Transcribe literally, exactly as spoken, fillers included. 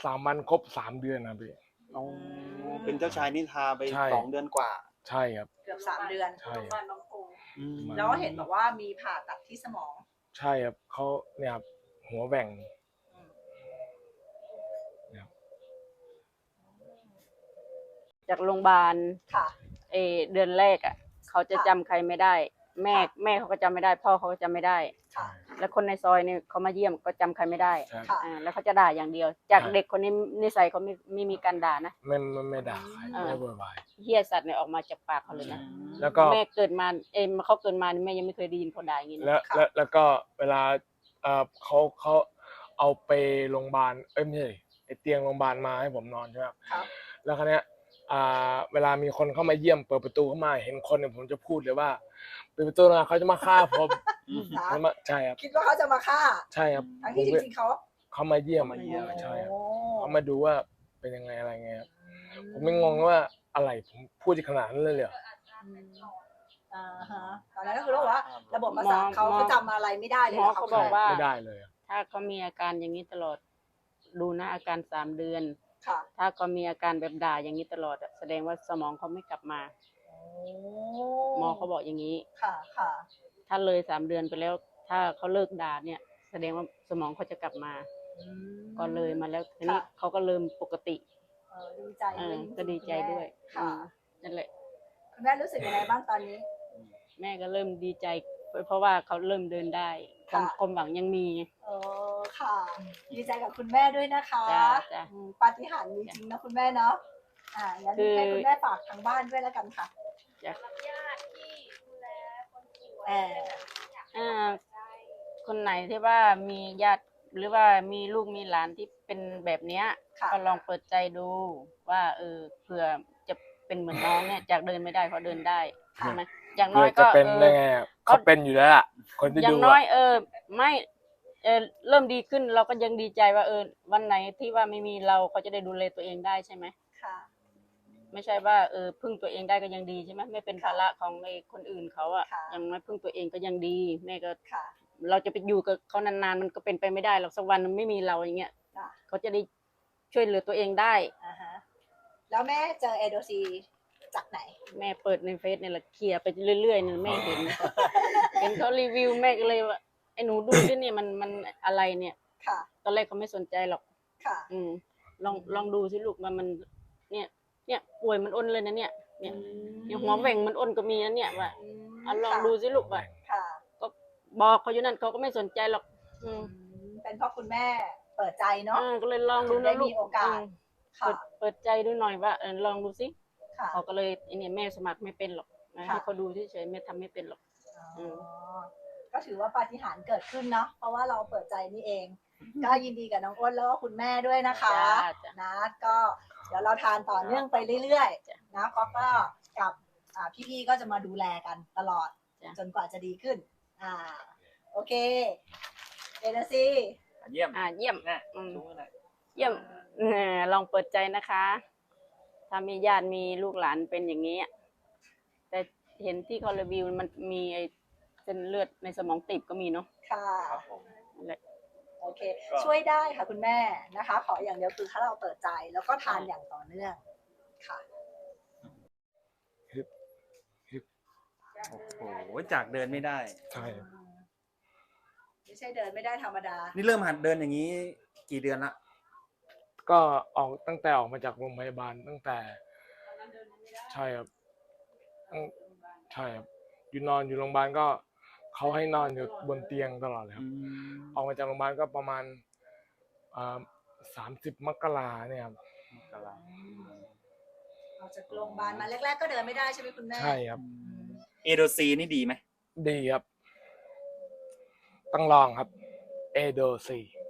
สามวันครบสามเดือนนะพี่อ๋อเป็นเจ้าชายนิทราไปสองเดือนกว่าใช่ครับเกือบสามเดือนใช่แล้วเห็นบอกว่ามีผ่าตัดที่สมองใช่ครับเขาเนี่ยครับหัวแหว่งจากโรงพยาบาลเอเดือนแรกอ่ะเขาจะจำใครไม่ได้แม่แม่เขาก็จำไม่ได้พ่อเขาก็จำไม่ได้แล้วคนในซอยเนี่ยเขามาเยี่ยมก็จำใครไม่ได้อ่าแล้วเขาจะด่าอย่างเดียวจากเด็กคนนี้นิสัยเขาไม่ไม่มีการด่านะไม่ไม่ไม่ด่าใครไม่บ่นบายเฮี้ยสัตว์เนี่ยออกมาจากปากเขาเลยนะแล้วก็แม่เกิดมาเอ็มเขาเกิดมาแม่ยังไม่เคยได้ยินเขาด่าอย่างนี้แล้วแล้วแล้วก็เวลาเอ่อเขาเขาเอาไปโรงพยาบาลเอ้ยไม่ใช่ไอเตียงโรงพยาบาลมาให้ผมนอนใช่ไหมครับแล้วคราวเนี้ยอ่าเวลามีคนเข้ามาเยี่ยมเปิดประตูเข้ามาเห็นคนเนี่ยผมจะพูดเลยว่าเปิดประตูนะเขาจะมาฆ่าผมใช่ครับคิดว่าเขาจะมาฆ่าใช่ครับทั้งที่จริงๆเขาเขามาเยี่ยมใช่ครับเขามาดูว่าเป็นยังไงอะไรเงี้ยผมไม่งงว่าอะไรผมพูดขนาดนั้นเลยเหรออ่าฮะตอนนั้นก็คือว่าระบบประสาทเขาเขาจำอะไรไม่ได้เลยเขาบอกว่าไม่ได้เลยถ้าเขามีอาการอย่างนี้ตลอดดูนะอาการสามเดือนถ้าเขามีอาการแบบด่าอย่างนี้ตลอดแสดงว่าสมองเขาไม่กลับมาหมอเขาบอกอย่างนี้ค่ะค่ะถ้าเลยสามเดือนไปแล้วถ้าเขาเลิกด่าเนี่ยแสดงว่าสมองเขาจะกลับมาก็เลยมาแล้วทีนี้เขาก็เริ่มปกติดีใจก็ดีใจด้วยนั่นแหละคุณแม่รู้สึกยังไงบ้างตอนนี้แม่ก็เริ่มดีใจเพราะว่าเขาเริ่มเดินได้ความหวังยังมีเออค่ะดีใจกับคุณแม่ด้วยนะคะปาฏิหาริย์มีจริงนะคุณแม่เนาะอ่างั้นให้คุณแม่ฝากทางบ้านด้วยแล้วกันค่ะจ้ะญาติที่ดูแลคนป่วยอ่าคนไหนที่ว่ามีญาติหรือว่ามีลูกมีหลานที่เป็นแบบเนี้ยก็ลองเปิดใจดูว่าเออเผื่อจะเป็นเหมือนน้องเนี่ยจากเดินไม่ได้เขาเดินได้ใช่ไหมอย่างน้อยก็เป็นได้ไงเขาเป็นอยู่แล้วล่ะคนที่ดูอย่างน้อยเออไม่เออเริ่มดีขึ้นเราก็ยังดีใจว่าเออวันไหนที่ว่าไม่มีเราเขาจะได้ดูแลตัวเองได้ใช่ไหมค่ะไม่ใช่ว่าเออพึ่งตัวเองได้ก็ยังดีใช่ไหมไม่เป็นภาระของไอ้คนอื่นเขาอ่ะยังไม่พึ่งตัวเองก็ยังดีแม่ก็เราจะไปอยู่กับเขานานๆมันก็เป็นไปไม่ได้หรอกสักวันมันไม่มีเราอย่างเงี้ยเขาจะได้ช่วยเหลือตัวเองได้อ่าฮะแล้วแม่เจอเอโดซีจากไหนแม่เปิดในเฟซเนี่ยแหละเคลียร์ไปเรื่อยๆเนี่ยแม่เห็นเห็นเขารีวิวแม่ก็เลยว่าไอ้หนูดูด้วยเนี่ยมันมันอะไรเนี่ยค่ะตอนแรกเขาไม่สนใจหรอกค่ะอืมลองลองดูสิลูกมันมันเนี่ยเนี่ยป่วยมันอ้นเลยนะเนี่ยเนี่ยเนี่ยหัวแหว่งมันอ้นก็มีนะเนี่ยว่าอ่ะลองดูสิลูกว่าค่ะก็บอกเขาอยู่นั่นเขาก็ไม่สนใจหรอกอืมเป็นเพราะคุณแม่เปิดใจเนาะก็เลยลองดูนะลูกมีโอกาสเปิดเปิดใจดูหน่อยว่าเออลองดูสิเขาก็เลยไอ้เนี่ยแม่สมัครไม่เป็นหรอกให้เขาดูเฉยๆแม่ทำไม่เป็นหรอกก็ถือว่าปาฏิหาริย์เกิดขึ้นเนาะเพราะว่าเราเปิดใจนี่เองก็ยินดีกับน้องอ้นแล้วก็คุณแม่ด้วยนะคะนะก็เดี๋ยวเราทานต่อเนื่องไปเรื่อยๆนะก็ก็กับพี่ๆก็จะมาดูแลกันตลอดจนกว่าจะดีขึ้นอ่าโอเคเอเดซี่เยี่ยมอ่าเยี่ยมเยี่ยมลองเปิดใจนะคะถ้ามีญาติมีลูกหลานเป็นอย่างนี้แต่เห็นที่เขารีวิวมันมีไอ้เส้นเลือดในสมองตีบก็มีเนาะค่ะโอเคช่วยได้ค่ะคุณแม่นะคะขออย่างเดียวคือถ้าเราเปิดใจแล้วก็ทานอย่างต่อเนื่องค่ะโอ้โหจากเดินไม่ได้ใช่ไม่ใช่เดินไม่ได้ธรรมดานี่เริ่มหัดเดินอย่างนี้กี่เดือนละก็ออกตั้งแต่ออกมาจากโรงพยาบาลตั้งแต่ใช่ครับใช่ครับอยู่นอนอยู่โรงพยาบาลก็เขาให้นอนอยู่บนเตียงตลอดเลยครับออกมาจากโรงพยาบาลก็ประมาณสามสิบมกราเนี่ยครับมกราออกจากโรงพยาบาลมาแรกๆก็เดินไม่ได้ใช่ไหมคุณแม่ใช่ครับเอโดซีนี่ดีไหมดีครับต้องลองครับเอโดซี